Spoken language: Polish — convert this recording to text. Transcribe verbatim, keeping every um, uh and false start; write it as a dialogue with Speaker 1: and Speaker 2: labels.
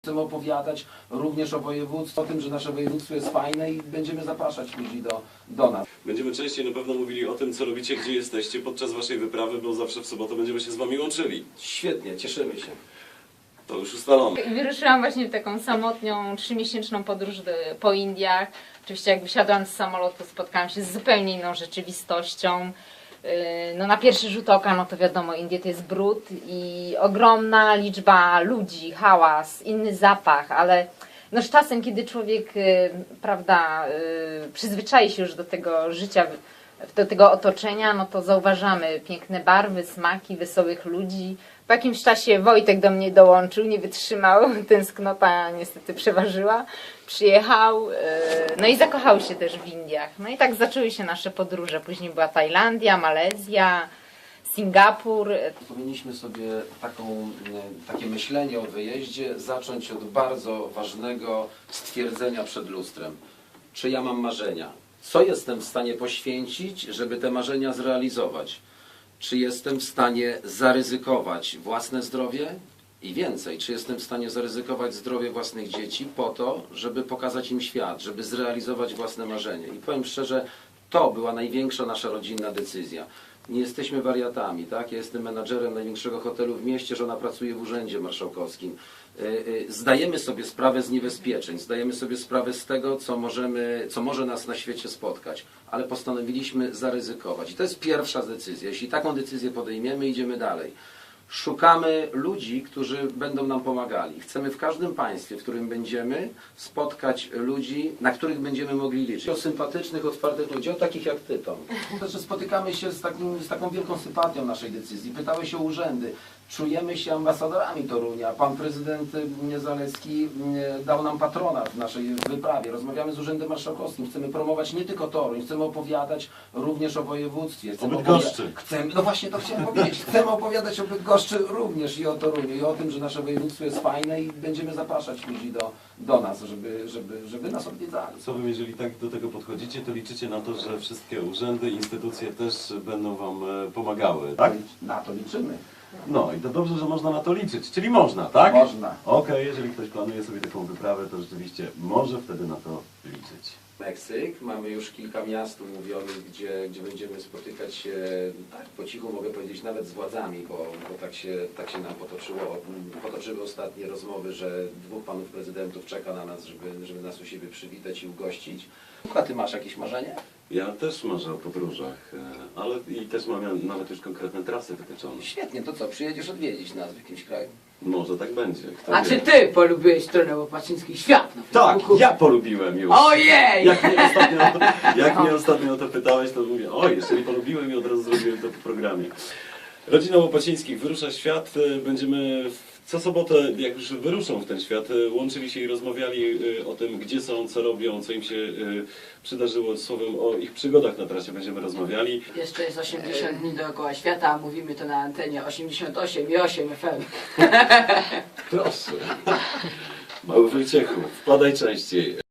Speaker 1: Chcemy opowiadać również o województwie, o tym, że nasze województwo jest fajne i będziemy zapraszać ludzi do, do nas.
Speaker 2: Będziemy częściej na pewno mówili o tym, co robicie, gdzie jesteście podczas waszej wyprawy, bo zawsze w sobotę będziemy się z wami łączyli.
Speaker 1: Świetnie, cieszymy się.
Speaker 2: To już ustalone.
Speaker 3: Wyruszyłam właśnie w taką samotną, trzymiesięczną podróż do, po Indiach. Oczywiście jak wysiadłam z samolotu, spotkałam się z zupełnie inną rzeczywistością. No na pierwszy rzut oka, no to wiadomo, Indie to jest brud i ogromna liczba ludzi, hałas, inny zapach, ale no z czasem, kiedy człowiek, prawda, przyzwyczai się już do tego życia, do tego otoczenia, no to zauważamy piękne barwy, smaki, wesołych ludzi. Po jakimś czasie Wojtek do mnie dołączył, nie wytrzymał, tęsknota niestety przeważyła. Przyjechał, no i zakochał się też w Indiach. No i tak zaczęły się nasze podróże. Później była Tajlandia, Malezja, Singapur.
Speaker 1: Powinniśmy sobie taką, takie myślenie o wyjeździe zacząć od bardzo ważnego stwierdzenia przed lustrem. Czy ja mam marzenia? Co jestem w stanie poświęcić, żeby te marzenia zrealizować? Czy jestem w stanie zaryzykować własne zdrowie i więcej, czy jestem w stanie zaryzykować zdrowie własnych dzieci po to, żeby pokazać im świat, żeby zrealizować własne marzenie. I powiem szczerze, to była największa nasza rodzinna decyzja. Nie jesteśmy wariatami, tak? Ja jestem menadżerem największego hotelu w mieście, żona pracuje w Urzędzie Marszałkowskim. Zdajemy sobie sprawę z niebezpieczeń, zdajemy sobie sprawę z tego, co, możemy, co może nas na świecie spotkać, ale postanowiliśmy zaryzykować. I to jest pierwsza decyzja. Jeśli taką decyzję podejmiemy, idziemy dalej. Szukamy ludzi, którzy będą nam pomagali. Chcemy w każdym państwie, w którym będziemy, spotkać ludzi, na których będziemy mogli liczyć. O sympatycznych, otwartych ludzi, o takich jak Ty, Tom. Znaczy, spotykamy się z, takim, z taką wielką sympatią naszej decyzji. Pytały się urzędy. Czujemy się ambasadorami Torunia. Pan prezydent Zalewski dał nam patronat w naszej wyprawie. Rozmawiamy z Urzędem Marszałkowskim. Chcemy promować nie tylko Toruń, chcemy opowiadać również o województwie. Chcemy
Speaker 2: o Bydgoszczy.
Speaker 1: Chcemy, no właśnie to chciałem powiedzieć. Chcemy opowiadać o Bydgoszczy również i o Toruniu i o tym, że nasze województwo jest fajne i będziemy zapraszać ludzi do, do nas, żeby, żeby, żeby nas odwiedzali.
Speaker 2: Co wy, jeżeli tak do tego podchodzicie, to liczycie na to, że wszystkie urzędy, instytucje też będą wam pomagały, tak?
Speaker 1: Na to liczymy.
Speaker 2: No i to dobrze, że można na to liczyć. Czyli można, tak?
Speaker 1: Można.
Speaker 2: Okej, okay, jeżeli ktoś planuje sobie taką wyprawę, to rzeczywiście może wtedy na to liczyć.
Speaker 1: Meksyk. Mamy już kilka miast umówionych, gdzie, gdzie będziemy spotykać się, tak po cichu mogę powiedzieć, nawet z władzami, bo, bo tak, się, tak się nam potoczyło, potoczyły ostatnie rozmowy, że dwóch panów prezydentów czeka na nas, żeby, żeby nas u siebie przywitać i ugościć. A Ty masz jakieś marzenie?
Speaker 2: Ja też marzę o podróżach, ale i też mam nawet już konkretne trasy wytyczone.
Speaker 1: Świetnie, to co, przyjedziesz odwiedzić nas w jakimś kraju?
Speaker 2: Może tak będzie. Kto
Speaker 4: A
Speaker 2: wie.
Speaker 4: czy ty polubiłeś stronę Łopacińskich Świat na
Speaker 2: Tak,
Speaker 4: Facebooku?
Speaker 2: ja polubiłem już.
Speaker 4: Ojej!
Speaker 2: Jak mnie ostatnio, jak mnie ostatnio o to pytałeś, to mówię, oj, jeszcze nie polubiłem i od razu zrobiłem to po programie. Rodzina Łopacińskich wyrusza w świat. Będziemy co sobotę, jak już wyruszą w ten świat, łączyli się i rozmawiali o tym, gdzie są, co robią, co im się przydarzyło. Słowem, o ich przygodach na trasie będziemy rozmawiali.
Speaker 4: Jeszcze jest osiemdziesiąt dni dookoła świata, a mówimy to na antenie osiemdziesiąt osiem i osiem F M.
Speaker 2: Proszę. Mały Wojciechu, wpadaj częściej.